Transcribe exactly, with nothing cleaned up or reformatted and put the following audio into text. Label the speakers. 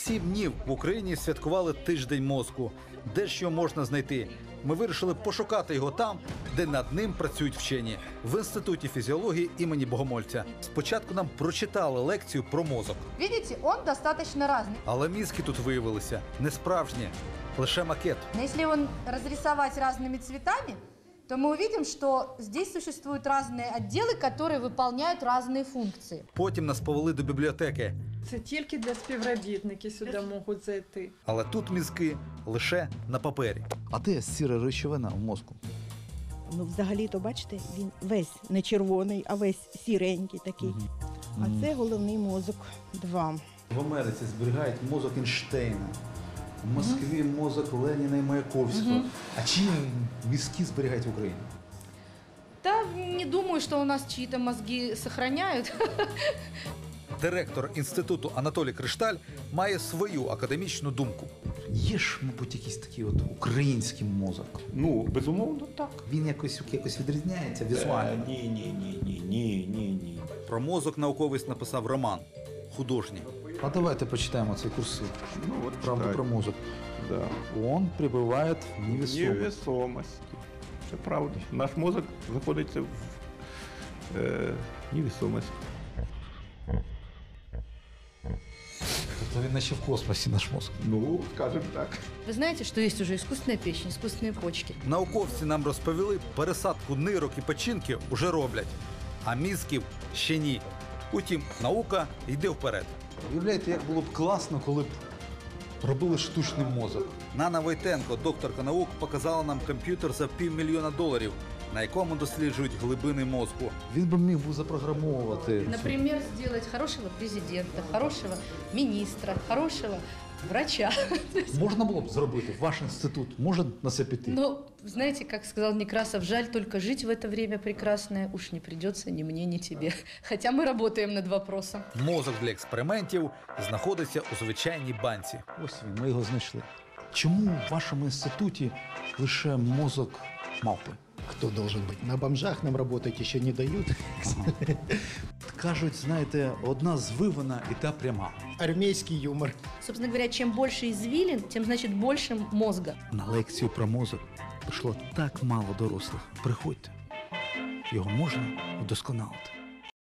Speaker 1: сім днів в Україні святкували тиждень мозку. Де ж його можна знайти? Ми вирішили пошукати його там, де над ним працюють вчені – в Інституті фізіології імені Богомольця. Спочатку нам прочитали лекцію про мозок.
Speaker 2: Видите, он достаточно разный.
Speaker 1: Але мізки тут виявилися не справжні, лише макет.
Speaker 2: Но если его разрисовать разными цветами, то мы увидим, что здесь существуют разные отделы, которые выполняют разные функции.
Speaker 1: Потім нас повели до бібліотеки.
Speaker 3: Це тільки для співробітників сюди можуть зайти.
Speaker 1: Але тут мізки лише на папері. А де сіра речовина в мозку?
Speaker 4: Ну, взагалі-то, бачите, він весь не червоний, а весь сіренький такий.
Speaker 1: Угу.
Speaker 4: А це головний мозок два.
Speaker 1: В Америці зберігають мозок Ейнштейна, в Москві мозок Леніна і Маяковського. А чиї мізки зберігають в Україні?
Speaker 2: Да, не думаю, что у нас чьи-то мозги сохраняют.
Speaker 1: Директор інституту Анатолій Кришталь має свою академічну думку. Є ж, мабуть, якийсь такий от український мозок.
Speaker 5: Ну, безумовно, так.
Speaker 1: Він якось, якось відрізняється візуально.
Speaker 5: Е, ні, ні, ні, ні, ні, ні, ні.
Speaker 1: Про мозок науковець написав роман художній. А давайте почитаємо цей курсив.
Speaker 5: Ну, от
Speaker 1: Правда
Speaker 5: читай.
Speaker 1: про мозок.
Speaker 5: Да.
Speaker 1: Он прибуває в невесомості.
Speaker 5: Невесомості. Це правда. Наш мозок знаходиться в е, невесомості.
Speaker 1: Тобто він наче в космосі, наш мозок.
Speaker 5: Ну, скажемо так.
Speaker 2: Вы знаете, что есть уже искусственная печень, искусственные почки?
Speaker 1: Науковці нам розповіли, пересадку нирок і печінки уже роблять, а мізків ще ні. Утім, наука йде вперед. Уявляєте, як було б класно, коли б робили штучний мозок. Нана Войтенко, докторка наук, показала нам комп'ютер за півмільйона доларів, на якому досліджують глибини мозку. Він би міг був запрограмовувати.
Speaker 2: Например, сделать хорошего президента, хорошего министра, хорошего врача.
Speaker 1: Можна було б зробити, ваш інститут може на це піти?
Speaker 2: Но, знаете, как сказал Некрасов, жаль только жить в это время прекрасное уж не придется ни мне, ни тебе. Хотя мы работаем над вопросом.
Speaker 1: Мозок для експериментів знаходиться у звичайній банці. Ось він, ми його знайшли. Чому в вашому інституті лише мозок мавпи?
Speaker 6: Кто должен быть? На бомжах нам работать еще не дают.
Speaker 1: Кажуть, знаєте, одна звивана і та пряма.
Speaker 6: Армейский юмор.
Speaker 2: Собственно говоря, чем больше извилин, тем, значит, больше мозга.
Speaker 1: На лекцію про мозок прийшло так мало дорослих. Приходьте, його можна вдосконалити.